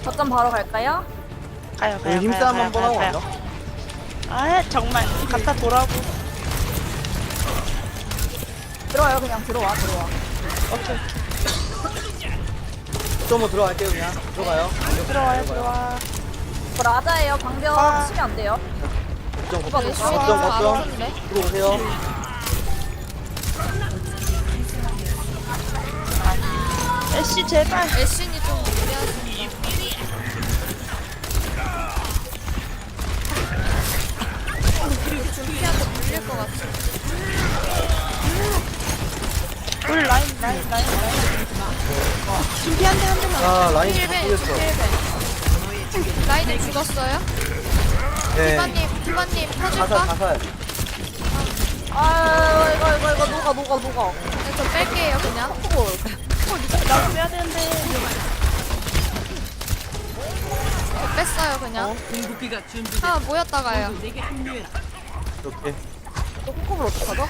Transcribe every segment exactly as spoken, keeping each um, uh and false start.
거점 바로 갈까요? 가요 가요 힘싸움 가요, 한번 가요, 하고 가요. 가죠. 아 정말 갖다 보라고. 들어와요 그냥 들어와 들어와. 오케이 좀 들어갈게요 그냥. 들어가요. 들어와요 들어와. 저 라자예요. 방벽 아. 치면 안 돼요. 걱정 누가 걱정 됐어? 걱정 아, 걱정. 알았는데? 들어오세요. 애쉬 제발. 애쉬니 좀 무리하신다. 그리고 준피한테 물릴 것 같아. 울 라인 라인 라인 라인. 준비 한대 한 대만. 아 라인 힐벤, 죽였어. 힐벤. 라인은 죽었어요? 네. 디바님, 디바님 가살 터질까? 가살. 아 이거 이거 이거 녹아 녹아 녹아. 네, 저 뺄게요 그냥. 나도 빼야 되는데. 저 뺐어요 그냥. 하나 모였다가요. 오케이. 또 콩콩을 어떡하죠?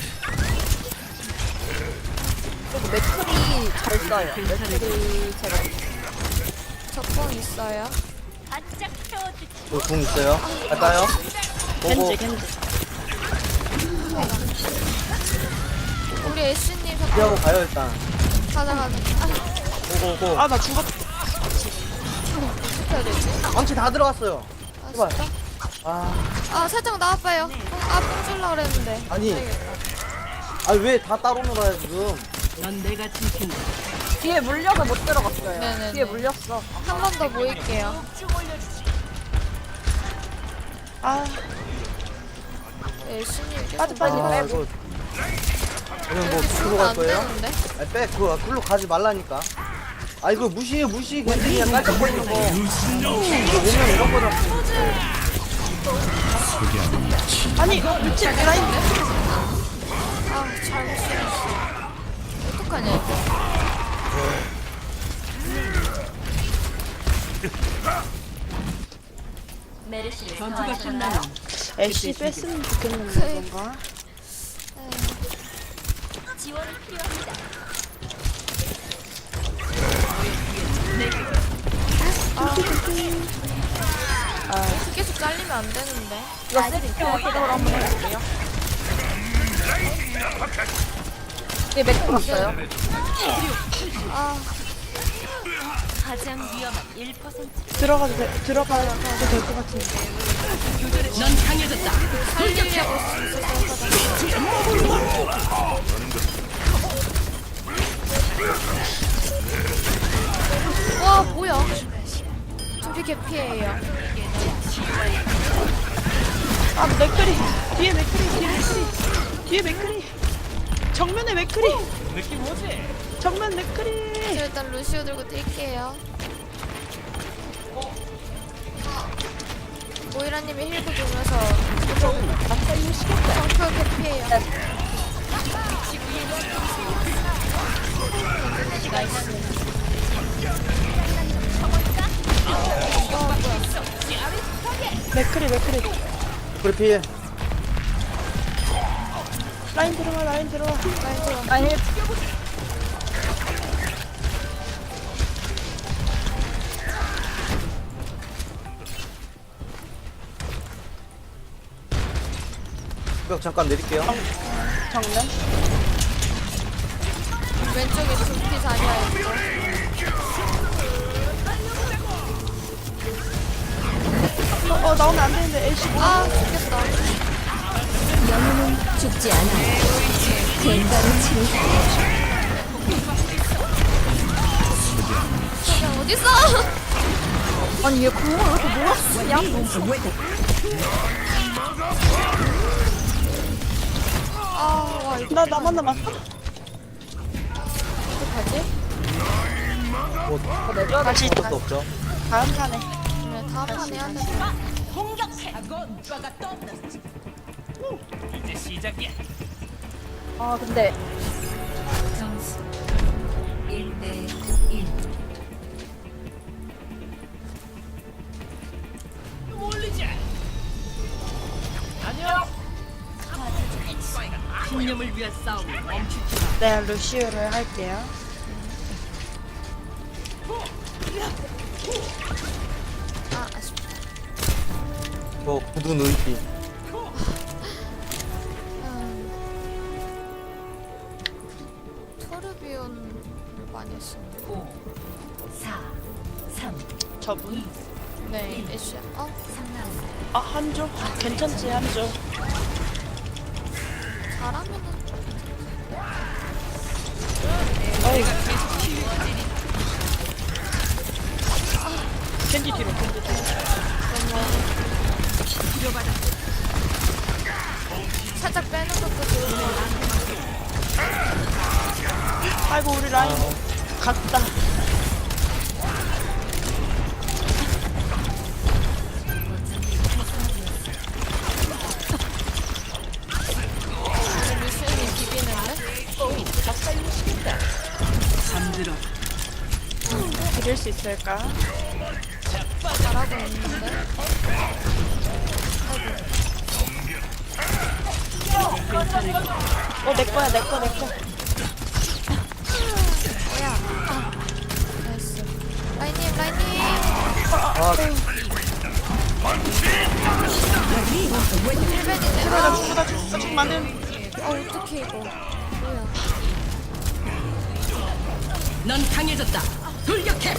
그리고 맥클이 잘 써요. 맥클이 제가 적공 있어요. 저궁 있어요. 갈까요? 보고. 겐지 겐지. 우리 애쉬님 피하고 적공 가요 일단. 가자 가자. 아, 고고고. 아 나 죽었. 어떻게 해야 되지? 망치 다 들어갔어요. 아 제발. 진짜? 아 아 살짝 나와봐요. 아 뽕줄라 그랬는데. 아니. 되겠다. 아니 왜 다 따로 놀아요 지금? 뒤에 물려서 못 들어갔어요. 네네네. 뒤에 물렸어. 한 번 더 모일게요. 아 애쉬님 계속 빠져, 빠져, 나와. 아 빼고. 이거. 그냥 뭐 이렇게 풀로 죽으면 갈 안 거예요? 되는데? 아니 빼 그거 글로 가지 말라니까. 아 이거 무시해 무시 그냥 깔짝거리는 거. 이거 오면 이런 거다. 아니 미친 라인. 아 잘못 쓰였어. 어떡하냐 이거. 애쉬 뺐으면 좋겠는데 뭔가. 계속 잘리면 안 되는데. 이거 세리표 해석을 한번 해볼게요. 뒤에 맥 들었어요. 아 들어가도 돼, 들어가도 될 것 같은데. 살리려고 있었어. 와 뭐야? 준비 개피해요. 아 맥크리 뒤에 맥크리 뒤에 맥크리 뒤에 맥크리 정면에 맥크리. 느낌 뭐지? 정면 맥크리. 저 일단 루시오 들고 뛸게요. 모이라님이 힐도 주면서 정표 개피해요. 맥크리 맥크리. 그래 피해. 라인 들어와 라인 들어와. 아니 벽 잠깐 내릴게요. 정면. 왼쪽에 준피 자리야 있고. 어, 어 나오면 안 되는데 애쉬. 아 죽겠다. 죽지 않아요. 건강을 치료해. 저기 어딨어? 아니 얘 공을 왜 이렇게 몰았으냐? 아와 이거 나 나만 남았어. 어떡하지? 뭐 더 내줘야 돼. 다시 것도 없죠. 다음 판에. 네, 다음 판에 해야 돼. 아 근데 네 루시오를 할게요. 저 구두 눈빛. 음. 토르비온을 많이 했었는데. 오, 사, 삼, 저분? 네, 애쉬. 어? 삼 남. 아 한조? 괜찮지 한조. 잘하면은 어이. 겐지 뒤로 겐지 뒤로. 살짝 빼는 것도 좋은데. 아이고 우리 라인 갔다. 우리 루시언이 비비는데? 이길 수 있을까? 잘하고 있는데? 어 내 거야 내 거 내 거. 뭐야? 아, 나이스. 라인님, 라인님! 아, 힐벤이네. 나 아, 죽다 죽다 죽 많은. 아, 어떡해, 이거. 뭐야. 넌 강해졌다. 돌격해.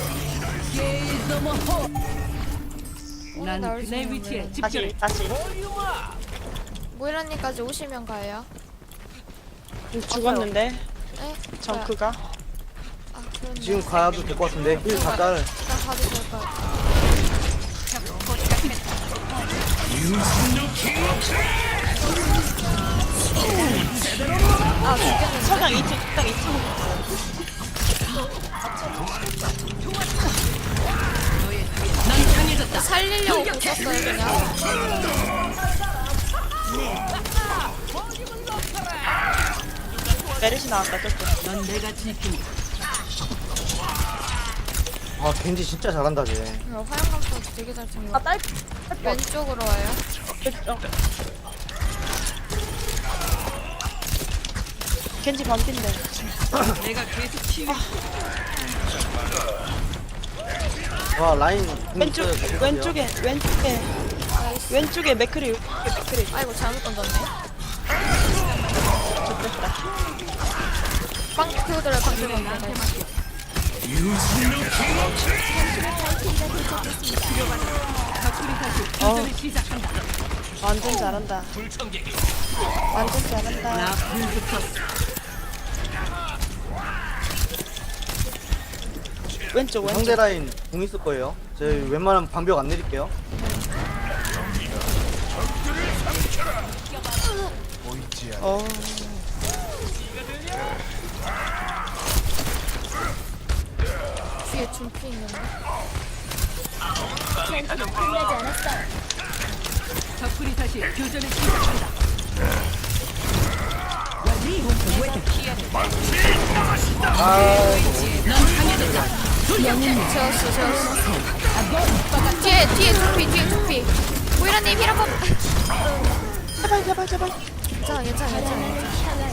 오늘 난 나올 그네 수 위치에 있는 집결해. 다시 다시. 모이라님까지 오시면 가요. 죽었는데 네? 정크가. 아, 그렇네. 지금 가도 될 것 같은데. 힐 다 짤. 일단 가도 될 것 같아. 아, 죽겠는데? 석양 이 층 딱 이 층. 넌 강해졌다. 살리려고 붙었어요, 그냥. 메르시 나왔다 저쪽. 넌 내가 지킨다. 아, 겐지 진짜 잘한다, 쟤. 어, 화염감도 되게 잘 챙겨. 아, 딸, 왼쪽으로 와요. 어. 겐지 반핀데. 내가 계속 치유. 와, 라인. 왼쪽 왼쪽에 왼쪽에 나이스. 왼쪽에 맥크리 왼쪽에 맥크리. 아이고, 잘못 던졌네. 좋겠다. 빵, 그들을 빵 들고 있네. 나이스. 어 교전을 시작한다. 완전 잘한다. 완전 잘한다. 나 불붙었어. 왼쪽 상대 왼쪽. 라인 공 있을 거예요. 저희 웬만하면 방벽 안 내릴게요. 어 뒤에 준피 있는데. 적군이 다시 교전을 시작한다. 넌 강해졌다. 재웠어, 재웠어. 뒤에, 뒤에 준피, 뒤에 준피. 모이라님, 힐 한 번. 제발 제발 제발. 괜찮아, 괜찮아, 괜찮아.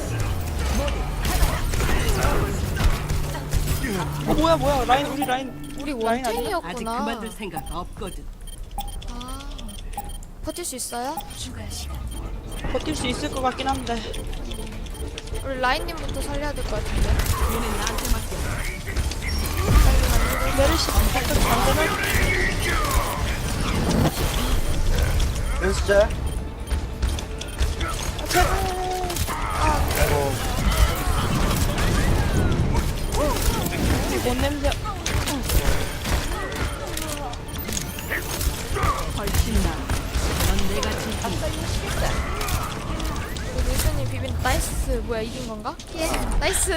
어 뭐야 뭐야 라인 우리 라인. 우리 라인 아니야? 아직 원탱이였구나. 그만둘 생각 없거든. 아, 버틸 수 있어요? 추가 시간. 버틸 수 있을 것 같긴 한데. 우리 라인님부터 살려야 될 것 같은데. 얘는 나한테 맡겨. 메르시 잠깐 잠깐만. 왼쪽 짤. 못 냄새. 훨씬 나. 넌 내가 지킨다. 우리 루시님 비빈 나이스. 뭐야, 이긴 건가? 예. 나이스.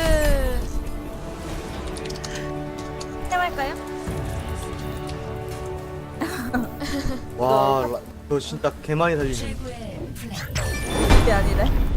해볼까요? 와, 라- 저 진짜 개 많이 살리네. 최고의 플레이. 그게 아니래.